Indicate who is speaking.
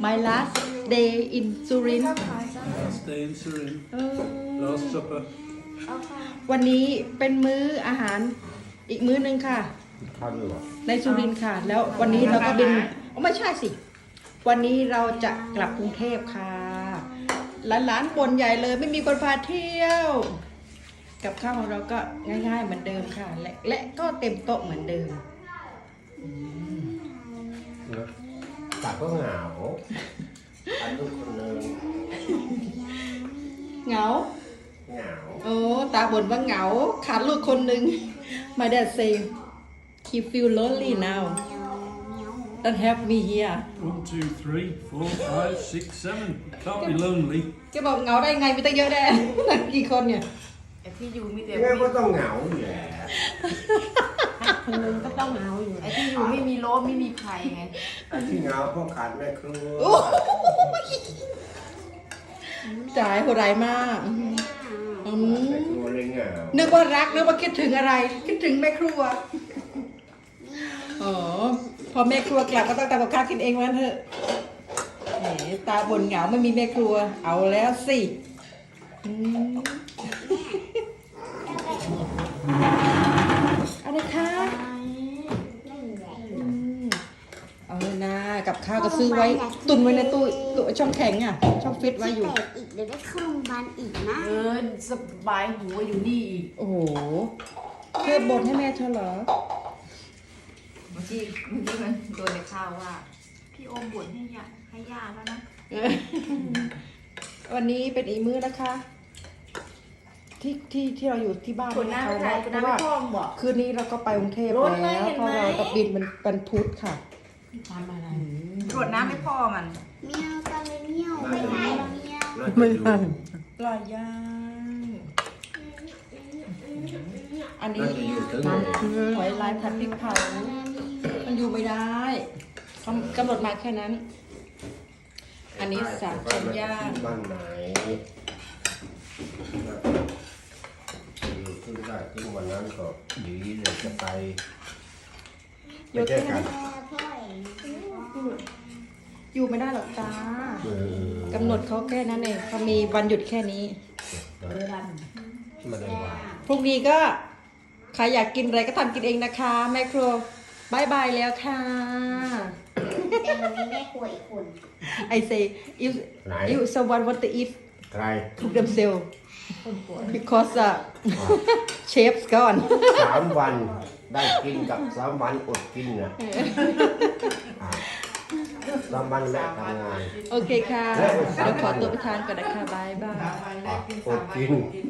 Speaker 1: my last day in Surin
Speaker 2: Last day in Surin. Last supper.
Speaker 1: วันนี้เป็นมื้ออาหารอีกมื้อหนึ่งค่ะ
Speaker 3: ข้าวด้วยเหรอ
Speaker 1: ในสุรินทร์ค่ะ แล้ววันนี้เราก็บินไม่ใช่สิ วันนี้เราจะกลับกรุงเทพค่ะหลานๆบ่นใหญ่เลยไม่มีคนพาเที่ยว กับข้าวของเราก็ง่ายๆเหมือนเดิมค่ะ และก็เต็มโต๊ะเหมือนเดิม
Speaker 3: นะตาก็เหงาอันลูกคนหนึง
Speaker 1: เหงา
Speaker 3: เหงา
Speaker 1: โอ้ตาบ่นว่าเหงาขาดลูกคนหนึ่ง My dad say he feel lonely now don't have me here
Speaker 2: 1, 2, 3, 4, 5, 6, 7. Can't be lonely.
Speaker 1: แกบอกเหงาได้ไงมีตั้งเยอะแน่ กี่คนเนี่ย
Speaker 4: ไอ้ที่อยู่มีแต่
Speaker 3: แม่ก็ต้องเหงาอยู่แหละ
Speaker 4: คนนึงก็ต้องเหงาอยู่ไอ้ที่อยู่ไม่มีโลบไม่มีใครไง
Speaker 3: ที่เหงาเพราะขาดแม่ครัว
Speaker 1: จ่ายโหดร้ายมากอืม
Speaker 3: แม่ครัวเลยเหงา
Speaker 1: นึกว่ารักนึกว่าคิดถึงอะไร คิดถึงแม่ครัวอ๋อพอแม่ครัวกลับก็ต้องทำกับข้าวกินเองวันเถอะแหมตาบ่นเหงาไม่มีแม่ครัว เอาแล้วสิอืมอะไรคะอืมเอาเลยนะกับข้าวก็ซื้อไว้ ตุนไว้ในตู้ช่องแข็งอ่ะ ช่องฟิตไว้อยู่
Speaker 5: แตกอีกเดี๋ยวได้เข้าโรงพยาบาลอีกนะ
Speaker 4: สบายหูอยู่นี่อีก
Speaker 1: โอ้โหเธอบ่นให้แม่เธอเหรอ
Speaker 4: เมื่อกี้มันโดนในข้าวว่า พี่โอมบ่นให้ย่าแล้วนะ
Speaker 1: วันนี้เป็นอีกมื้อนะคะ ที่เราอยู่ที่บ้าน
Speaker 4: คนหน้าไปถ่ายคนหน้าไปพ่องบอก
Speaker 1: คืนนี้เราก็ไปกรุงเทพ
Speaker 4: รถไหม
Speaker 1: แล้ว
Speaker 4: เห็น
Speaker 1: เพราะ
Speaker 4: ไหม
Speaker 1: เราจะบินเป็นพุธค่ะ
Speaker 4: ทำอะไรตรวจน้ำไม่พ่อมัน
Speaker 5: เมียวตาเลยเมียวไม่ได้เมียว
Speaker 3: น่าจะอยู่
Speaker 1: ปลาย่างอันนี้
Speaker 3: น่าจะอยู่ถึงเลย
Speaker 1: หอยลายผัดพริกเผามันอยู่ไม่ได้กำหนดมาแค่นั้น อันนี้สามชั้นย่าง
Speaker 3: บ้านไหนอยู่ขึ้นได้ขึ้นวันนั้นก็ดีเลยจะไปไปเจอกัน
Speaker 5: พ่อเอง
Speaker 1: อยู่ไม่ได้หรอกจ้า
Speaker 3: เออก
Speaker 1: ำหนดเขาแค่นั้นเองเขามีวันหยุดแค่นี้
Speaker 3: มาได้ว่า
Speaker 1: พรุ่งนี้ก็ใครอยากกินอะไรก็ทำกินเองนะคะแม่ครัวบายบายแล้วค่ะ
Speaker 5: แต่วันนี้แม่ครัวอีกคน
Speaker 1: I say if someone want to eat
Speaker 3: ใคร
Speaker 1: cook themselves because chef's gone
Speaker 3: 3 วันได้กินกับ3 วันอดกินนะ3 วันแม่ทำงาน
Speaker 1: โอเคค่ะเดี๋ยวขอตัวไปทานก่อนนะคะบายบาย
Speaker 3: อดกิน